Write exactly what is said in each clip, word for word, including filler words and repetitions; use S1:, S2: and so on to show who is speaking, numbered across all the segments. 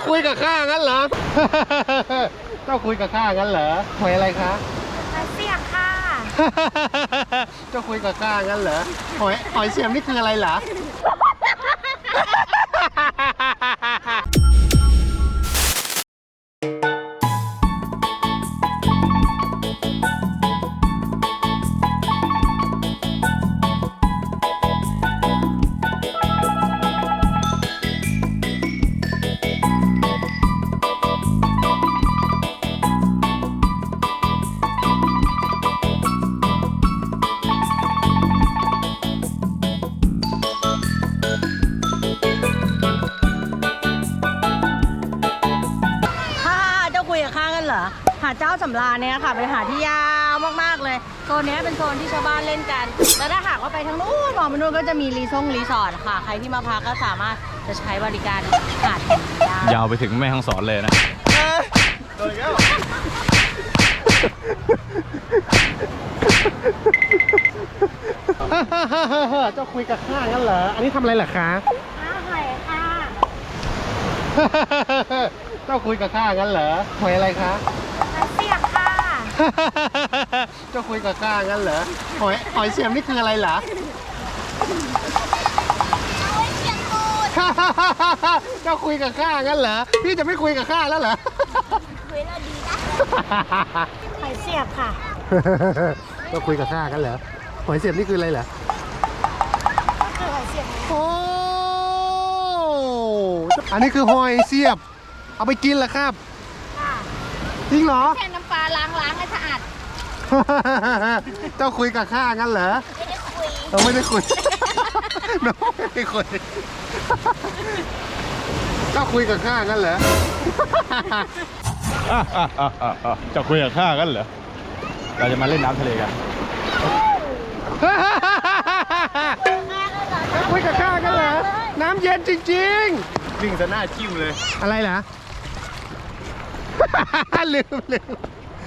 S1: คุยกับข้างั้นเหรอ เจ้าคุยกับข้างั้นเหรอหอยอะไรคะ
S2: หอยเสียบค่ะ
S1: เจ้าคุยกับข้างั้นเหรอหอยหอยเสียบนี่คืออะไรเหรอ
S2: หาดเจ้าสำราญเนี่ยค่ะเป็นหาดที่ยาวมากๆเลยโซนนี้เป็นโซนที่ชาวบ้านเล่นกันแล้วถ้าหากว่าไปทางนู้นมองไปนู้นก็จะมีรีซ่งรีสอร์ทค่ะใครที่มาพักก็สามารถจะใช้บริการหาด
S3: ยาวไปถึงแม่ฮ่องสอนเลยนะ
S1: โดนแล้วเจ้าคุยกับข้างั้นเหรออันนี้ทำอะไรเหรอคะ
S2: ข้าหอยค่ะ
S1: เจ้าคุยกับข้างั้นเหรอหอยอะไรคะ
S2: หอยเสียบค่ะ
S1: เจ้าคุยกับข้างั้นเหรอหอยหอยเสียบนี่คืออะไรเหรอ
S2: หอยเสียบตูด
S1: เจ้าคุยกับข้างั้นเหรอพี่จะไม่คุยกับข้าแล้วเหรอ
S2: คุยแล้วดีนะหอยเสียบค่ะ
S1: เจ้าคุยกับข้างั้นเหรอหอยเสียบนี่คืออะไรเหรอ
S2: คือหอยเสียบ
S1: โอ้อันนี้คือหอยเสียบเอาไปกินเหรอครับจริงเหรอ
S2: แค่น้ำปลาล้างล้างให้สะอาด
S1: เจ้าคุยกับข้างั้นเหรอ
S2: ไม่ได้คุย
S1: เราไม่ได้คุยน้องไม่ได้คุยเจ้าคุยกับข้างั้นเหรอ
S3: เจ้าคุยกับข้างั้นเหรอเราจะมาเล่นน้ำทะเลกัน
S1: เจ้าคุยกับข้างั้นเหรอน้ำเย็นจริงๆ
S3: วิ่งซะหน้าจิ้มเลย
S1: อะไรล่ะลืมลืม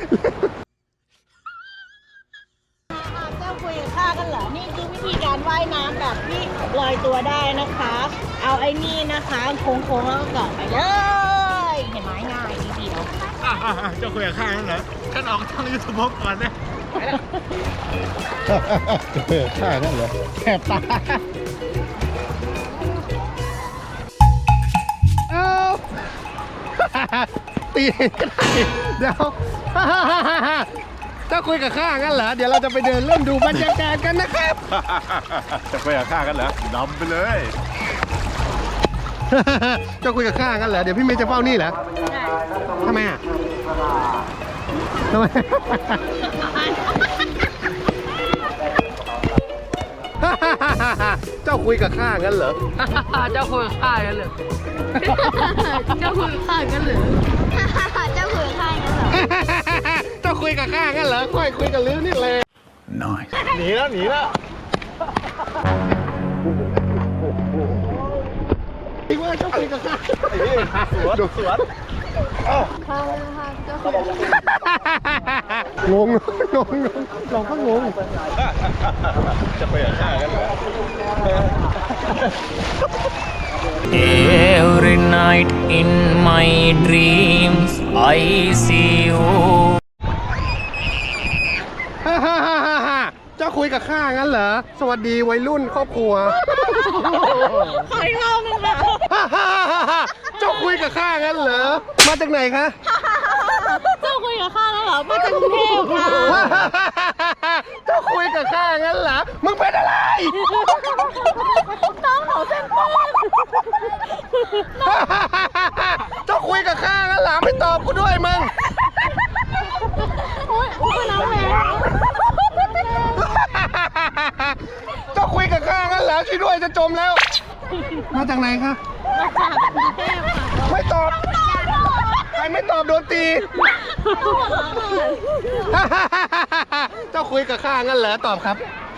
S2: เจ้าคุยกับข้ากันเหรอนี่คือวิธีการว่ายน้ำแบบที่ลอยตัวได้นะคะเอาไอ้นี่นะคะโค้งๆแล้วก็เกาะไปเลยเห็นไหมง่ายทีเดียว
S3: เจ้าคุยกับข้าเหรอฉันออกทางยูทูบก่อนนะ
S1: เจ้าคุยกับข้านั่นเหรอแสบตาตีเดี๋ยวเจ้าคุยกับข้างั้นเหรอเดี๋ยวเราจะไปเดินเล่นดูบรรยากาศกันนะครับ
S3: จะคุยกับข้ากันเหรอนำไปเลย
S1: เจ้าคุยกับข้างั้นเหรอเดี๋ยวพี่เมย์จะเฝ้านี่เหรอทำไมอ่ะทำไมเจ้าคุยกับข้างั้นเหรอ
S2: เจ้าคุยกับข้างั้นเหรอเจ้าคุยกับข้างั้นเหรอเจ้าคุยกับข้างั้นเหรอ
S1: เจ้าคุยกับข้างั้นเหรอค่อยคุยกับลื้อนี่เลย
S3: น้อยหนีแล้วหนีแล้ว
S1: อีกว่าเจ้าคุยกับข้า
S3: ไอ้นี่สวนสวน
S2: ข้าข้าเจ้าคุย
S1: งงงงงเราก็งง
S3: จะไปกับข้ากันเหรอ
S4: Every night in my dreams I see you
S1: เจ้าคุยกับข้างั้นเหรอสวัสดีวัยรุ่นครอบครัว
S2: ขออีกรอบนึงค่ะ
S1: เจ้าคุยกับข้างั้นเหรอมาจากไหนคะ
S2: เจ้าคุยกับข้าแล้วเหรอมาจากกรุงเทพค่ะ
S1: เจ้าคุยกับข้างั้นเหรอมึงเป็นอะไร
S2: น้องหนูเป็นป้อน
S1: เจ้าคุยกับข้างั้นเหรอไม่ตอบกูด้วยมึง
S2: โอ๊ยอุ้ยน้ำแรง
S1: เจ้าคุยกับข้างั้นเหรอช่วยด้วยจะจมแล้วมาจากไหนคะ
S2: มาจากกรุงเทพค่ะ
S1: ไม่ตอบใครไม่ตอบโดนตีเจ้าคุยกับข้างั้นเหรอตอบครับ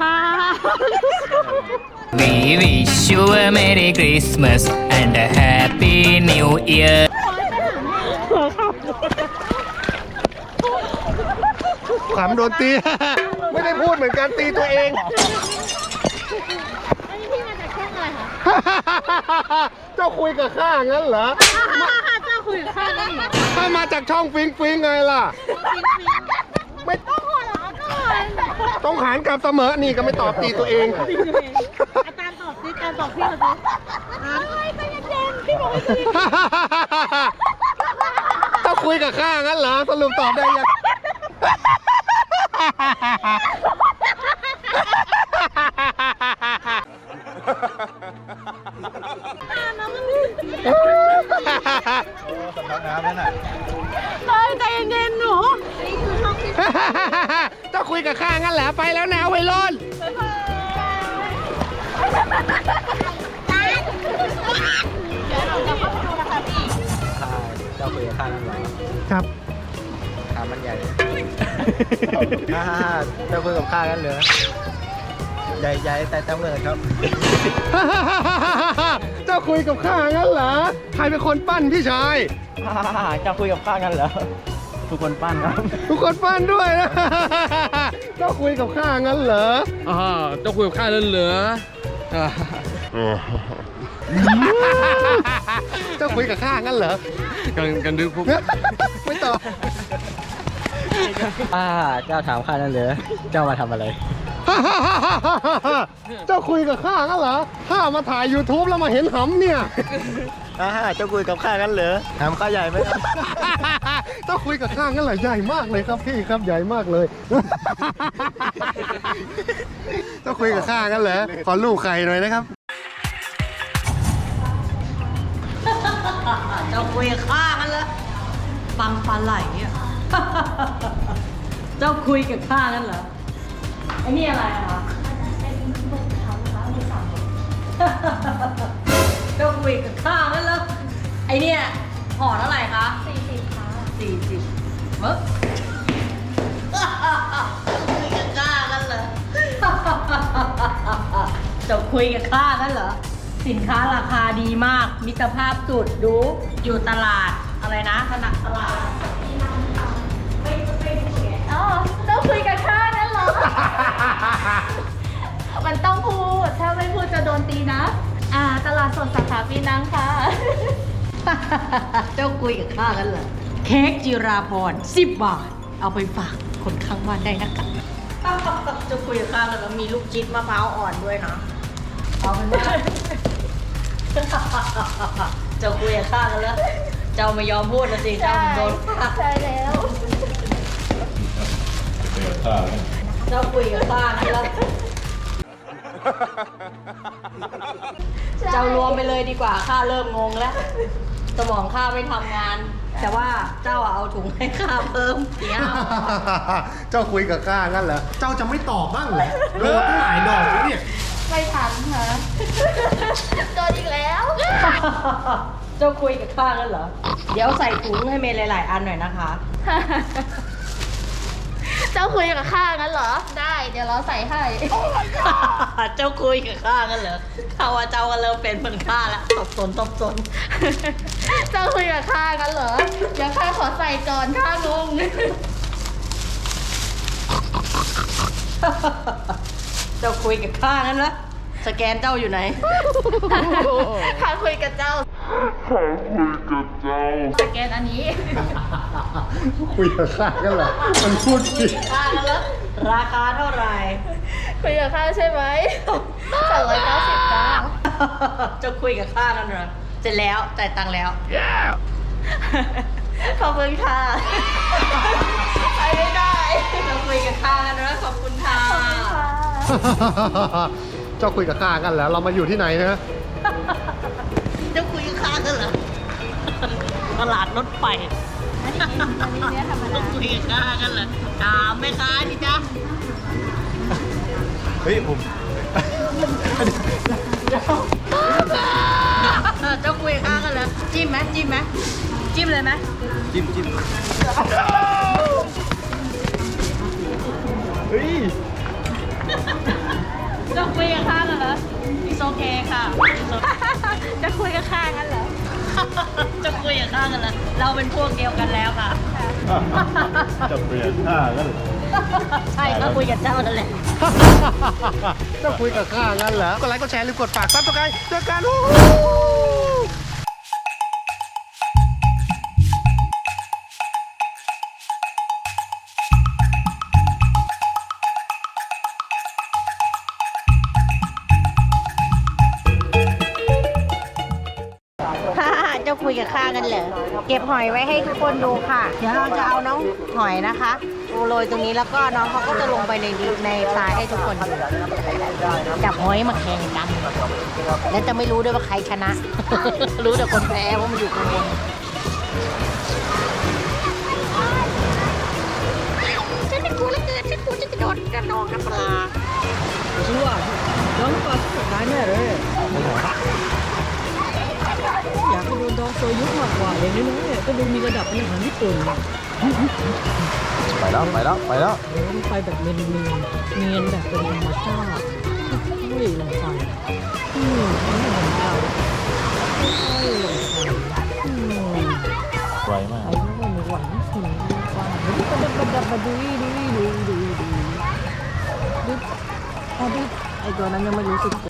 S4: We wish you a Merry Christmas and a Happy New Year
S1: ขำโดนตีไม่ได้พูดเหมือนกันตีตัวเอง
S2: อันนี้พี่มาจากช่องอะไรคะ
S1: เจ้าคุยกับข้างั้นเหรอ
S2: เจ้าคุยกับข้าได้เหรอ
S1: ถ้ามาจากช่องฟิงฟิงไงล่ะ ไม่
S2: ต้องหัวเราะก่อน
S1: ต้องหารกลับเสมอ นี่ก็ไม่ตอบตีตัวเอง
S2: อาจารย์ตอบสิอาจารย์ตอบพี่เขาสิเฮ้ยใจเย็นๆพี่บอกให้ใจเย็น
S1: ถ้าคุยกับข้างั้นเหรอ สรุปตอบได้ยัง
S3: สำนักน้ำนั่นน่ะ
S2: เฮ้ยใจเย็นๆหนูนี่คือช่องที่
S1: ถ้าคุยกับข้างั้นเหรอ ไปแล้วนะไวยรุ่น
S2: เดี๋ยวเราจะเข้าไปดูนะคะพี่
S5: ข้าเจ้าคุยกับข้านั่นเหรอ
S1: ครับ
S5: ขามันใหญ่ฮ่าเจ้าคุยกับข้ากันเหรอใหญ่ๆแต่เจ้าเงินครับ
S1: เจ้าคุยกับข้างั้นเหรอ ใครเป็นคนปั้นพี่ชาย
S5: ฮ่าเจ้าคุยกับข้ากันเหรอทุกคนปั้นครับ
S1: ทุกคนปั้นด้วยนะ เจ้าคุยกับข้างั้นเหรอ
S6: อ่าเจ้าคุยกับข้าแล้วเหรออ่า
S1: เจ้าคุยกับข้างั้นเหรอ
S6: กันกันดึกพวก
S1: ไม่ตอบ
S5: ฮ่าเจ้าถามข้านั่นเหรอเจ้ามาทำอะไร
S1: เจ้าคุยกับข้างั้นเหรอ ข้ามาถ่าย YouTube แล้วมาเห็นหำเนี่ย
S5: ฮ่าเจ้าคุยกับข้ากันเหรอถามข้าใหญ่ไหมครับ
S1: เจ้าคุยกับข้างั้นเหรอ ใหญ่มากเลยครับพี่ครับ ใหญ่มากเลย เจ้าคุยกับข้างั้นเหรอ ขอลูกไข่หน่อยนะครับ
S2: เจ้าคุยกับข้ากันแล้วปังปลาไหลอ่ะ เจ้าคุยกับข้ากันเหรอไอ้นี่อะไรอะคะเจ้าคุยกับข้ากันเหรอไอ้เนี่ยห่อเท่าไหร่คะสี่สิบค่ะสี่สิบเมื่อคุยกับข้ากันเหรอ เจ้าคุยกับข้ากันเหรอสินค้าราคาดีมากมิตรภาพสุดดูอยู่ตลาดอะไรนะถนัดตลาด
S7: อ๋อต้องคุยกับข้านั่นเหรอ มันต้องพูด ถ้าไม่พูดจะโดนตีนะ อ่า ตลาดสดสาขาปีนังค่ะ
S2: เจ้าคุยกับข้ากันเหรอเค้กจิราพรสิบบาท เอาไปฝากคนข้างบ้านได้นะคะเจ้าคุยกับข้ากันแล้วมีลูกชิดมะพร้าวอ่อนด้วยนะเอาเป็นว่า เจ้าคุยกับข้ากันแล้ว เจ้าไม่ยอมพูดนะสิเจ้าโดนฆ่า
S7: ใช่แล้ว
S2: เจ้าคุยกับข้ากันแล้ว เจ้ารวมไปเลยดีกว่าข้าเริ่มงงแล้ว สมองข้าไม่ทำงาน แต่ว่าเจ้าเอาถุงให้ข้าเพิ่มเนี่ย
S1: เจ้าคุยกับข้างั้นเหรอ เจ้าจะไม่ตอบบ้างเหรอโดนตั้งหลายดอกแล้วเนี่ย
S7: ไม่ทันค่ะโดนอีกแล้ว
S2: เจ้าคุยกับข้ากันเหรอ เดี๋ยวใส่ถุงให้เมย์หลาย ๆ อันหน่อยนะคะ
S7: เจ้าคุยกับข้างั้นเหรอ ได้ เดี๋ยวเราใส่ให้
S2: เจ้าคุยกับข้ากันเหรอข้าว่าเจ้าก็เริ่มเป็นเหมือนข้าแล้วตบสนตบสน
S7: เจ้าคุยกับข้างั้นเหรอ เดี๋ยวข้าขอใส่ก่อนข้างง
S2: เจ้าคุยกับข้างั้นเหรอสแกนเจ้าอยู่ไหน
S7: ข้าคุยกับเจ้า สแกนอันนี้
S1: คุยกับข้างั้นเหรอ มันพูดผิด
S2: ข้ากันเหรอราคาเท่าไหร่
S7: คุยกับข้าใช่ไหมสองร้อยเก้าสิบจ้า
S2: เจ้าคุยกับข้ากันเหรอเสร็จแล้วจ่ายตังค์แล้ว
S7: ขอบคุณค่ะ ไปไม่ได้
S2: เจ้าคุยกับข้ากันเหรอขอบคุณค่ะ
S7: ขอบคุณค่ะ
S1: เจ้าคุยกับข้ากันเหรอ เรามาอยู่ที่ไหนนะ
S2: เจ้าคุยกับข้ากันเหรอตลาดรถไฟ
S7: อันนี้อันนี้เนื้อธรรมดา
S2: คุยกับข้ากันเหรอถามแม่ค้าดิจ๊ะ
S5: เฮ้ยผม
S2: เจ้าคุยกับข้ากันเหรอจิ้มไหมจิ้มไหมจิ้มเลยไหม
S5: จิ้มจิ้มเฮ้ย
S2: จะคุยกับข้ากันเหรออิโอเคค่ะ
S7: จะคุยกับข้างั้นเหรอ
S2: จะคุยกับข้ากันเหรอเราเป็นพวกเดียวกันแล้วค่ะ
S3: จะเปลี่ยนข้ากันเหรอ
S2: ใช่ก็คุยกับเจ้านั่นแหละ
S1: เจ้าคุยกับข้างั้นเหรอ กดไลค์กดแชร์หรือกดฝากซับสไครต์เจอกัน
S2: เจ้าคุยกับข้ากันเหรอเก็บหอยไว้ให้ทุกคนดูค่ะ เดี๋ยวเราจะเอาน้องหอยนะคะโรยตรงนี้แล้วก็น้องเขาก็จะลงไปในดินในทรายให้ทุกคนดูจับหอยมาแข่งกัน แล้วจะไม่รู้ด้วยว่าใครชนะ รู้แต่คนแพ้ว่ามันอยู่ข้างบนฉันไม่กลัวแล้วเกินฉันกลัวจะกระโดดกระนองน้ำปลา
S8: ฉันว่าน้องปลาสุดท้ายแน่เลยอยากให้โดนดองโซยุมากกว่าอย่างนี้นะก็ดูมีระดับอาหารญี่ปุ่น
S3: ไปแล้วไปแล้วไปแล้ว
S8: เดินไปแบบเนียนเนียนเนียนแบบเป็นธรรมชาติเฮ้ยลงไปอืมไม่เหมือนเราเฮ้ยลงไปอืม
S3: ไวมาก
S8: ไอ้พวกมันหวานถึงกว่าดูกระดับกระดับมาดูดูดูดูดูดูดูอ่ะดูไอ้ตัวนั้นยังไม่รู้สึกตัว